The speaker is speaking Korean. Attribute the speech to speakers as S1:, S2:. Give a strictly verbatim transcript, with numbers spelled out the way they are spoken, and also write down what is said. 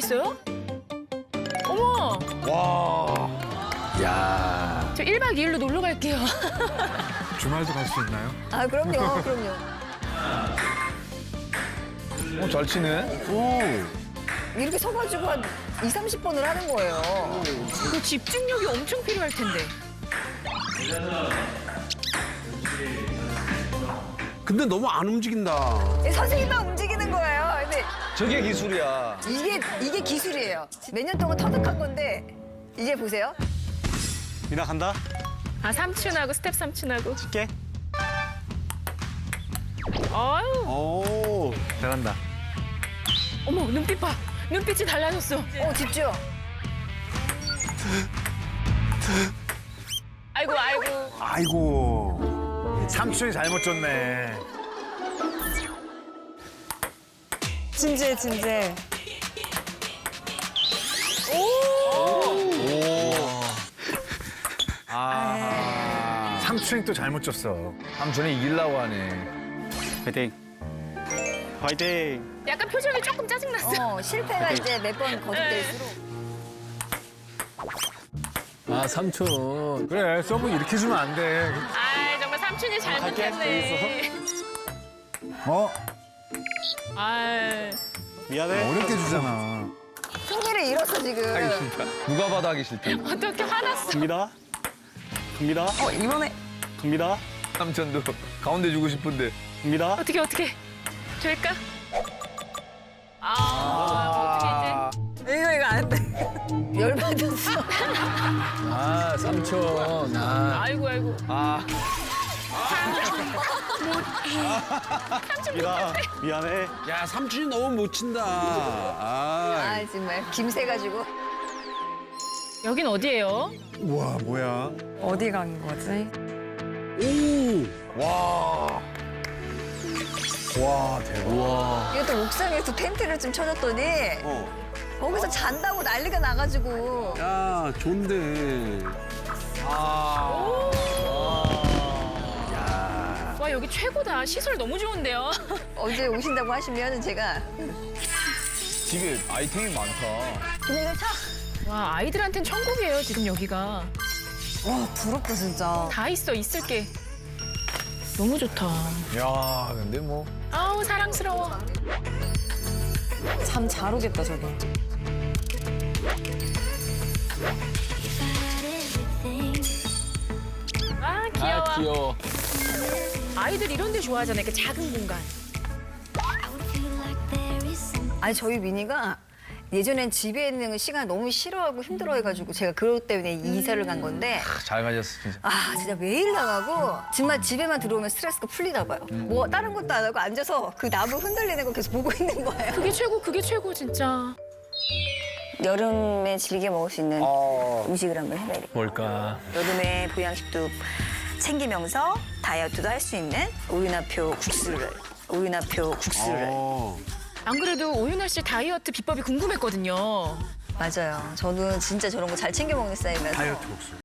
S1: 있어요? 어머!
S2: 와. 야.
S1: 저 일 박 이 일로 놀러 갈게요.
S3: 주말도 갈 수 있나요?
S4: 아, 그럼요, 그럼요.
S2: 어, 잘 치네. 오.
S4: 이렇게 서가지고 한 이, 삼십 번을 하는 거예요.
S1: 그 집중력이 엄청 필요할 텐데.
S5: 근데 너무 안 움직인다.
S4: 선생님만 움직이는 거예요. 근데
S2: 저게 기술이야.
S4: 이게, 이게 기술이에요. 몇 년 동안 터득한 건데, 이제 보세요.
S6: 미나 간다.
S1: 아, 삼촌하고 스텝 삼촌하고.
S6: 칠게.
S1: 아유,
S5: 오.
S2: 잘한다.
S1: 어머, 눈빛 봐. 눈빛이 달라졌어.
S4: 어, 집중.
S1: 아이고, 아이고.
S5: 아이고.
S2: 삼촌이 잘못 줬네.
S4: 진지해, 진지해.
S2: 아. 삼촌이 또 잘못 줬어. 삼촌이 이기려고 하네.
S6: 화이팅. 화이팅.
S1: 약간 표정이 조금 짜증났어.
S4: 어, 실패가 이제 몇 번 거듭될수록.
S5: 아, 삼촌.
S2: 그래, 서브 이렇게 주면 안 돼.
S1: 아, 정말 삼촌이 잘못했네.
S2: 어?
S1: 아,
S6: 미안해.
S2: 어렵게 주잖아.
S4: 승리를 잃었어, 지금.
S2: 누가 봐도 하기 싫다.
S1: 어떻게 화났어.
S6: 갑니다. 갑니다.
S4: 어, 이번에.
S6: 갑니다.
S2: 삼촌도 가운데 주고 싶은데.
S6: 갑니다.
S1: 어떻게, 어떻게. 될까? 아, 어떻게
S4: 이거, 이거 안 돼. 열받았어.
S5: 아, 삼촌.
S1: 이제.
S5: 아.
S1: 아이고, 아이고.
S2: 아.
S6: 미나 미안해.
S5: 야, 삼촌이 너무 못 친다. 아.
S4: 아, 정말. 김새가지고.
S1: 여긴 어디예요?
S2: 우와, 뭐야.
S4: 어디 간 거지?
S5: 오.
S2: 와. 와, 대박.
S5: 우와.
S4: 이거 또 옥상에서 텐트를 좀 쳐줬더니
S5: 어.
S4: 거기서 잔다고 난리가 나가지고
S5: 야, 좋은데.
S2: 아.
S1: 와, 여기 최고다. 시설 너무 좋은데요?
S4: 언제 오신다고 하시면 제가
S2: 집에 아이템이 많다.
S4: 그냥 차.
S1: 와, 아이들한텐 천국이에요, 지금 여기가.
S4: 와, 부럽다 진짜.
S1: 다 있어, 있을 게. 너무 좋다.
S2: 야, 근데 뭐.
S1: 아우, 사랑스러워.
S4: 잠 잘 오겠다 저기.
S1: 아, 귀여워.
S5: 아, 귀여워.
S1: 아이들 이런 데 좋아하잖아요, 이렇게 작은 공간.
S4: 아니 저희 미니가 예전엔 집에 있는 걸 시간 너무 싫어하고 힘들어해가지고 제가 그것 때문에 이사를 간 건데
S2: 잘 가졌어, 진짜.
S4: 아 진짜 매일 나가고 정말 집에만 들어오면 스트레스가 풀리나 봐요. 뭐 다른 것도 안 하고 앉아서 그 나무 흔들리는 거 계속 보고 있는 거예요.
S1: 그게 최고, 그게 최고, 진짜.
S4: 여름에 즐겨 먹을 수 있는
S2: 어.
S4: 음식을 한번 해봐야겠다.
S5: 뭘까?
S4: 여름에 보양식도 챙기면서 다이어트도 할 수 있는 오윤화표 국수를 오윤화표 국수를
S5: 어.
S1: 안 그래도 오윤아 씨 다이어트 비법이 궁금했거든요.
S4: 맞아요. 저는 진짜 저런 거 잘 챙겨 먹는 스타일이라서
S5: 다이어트 국수.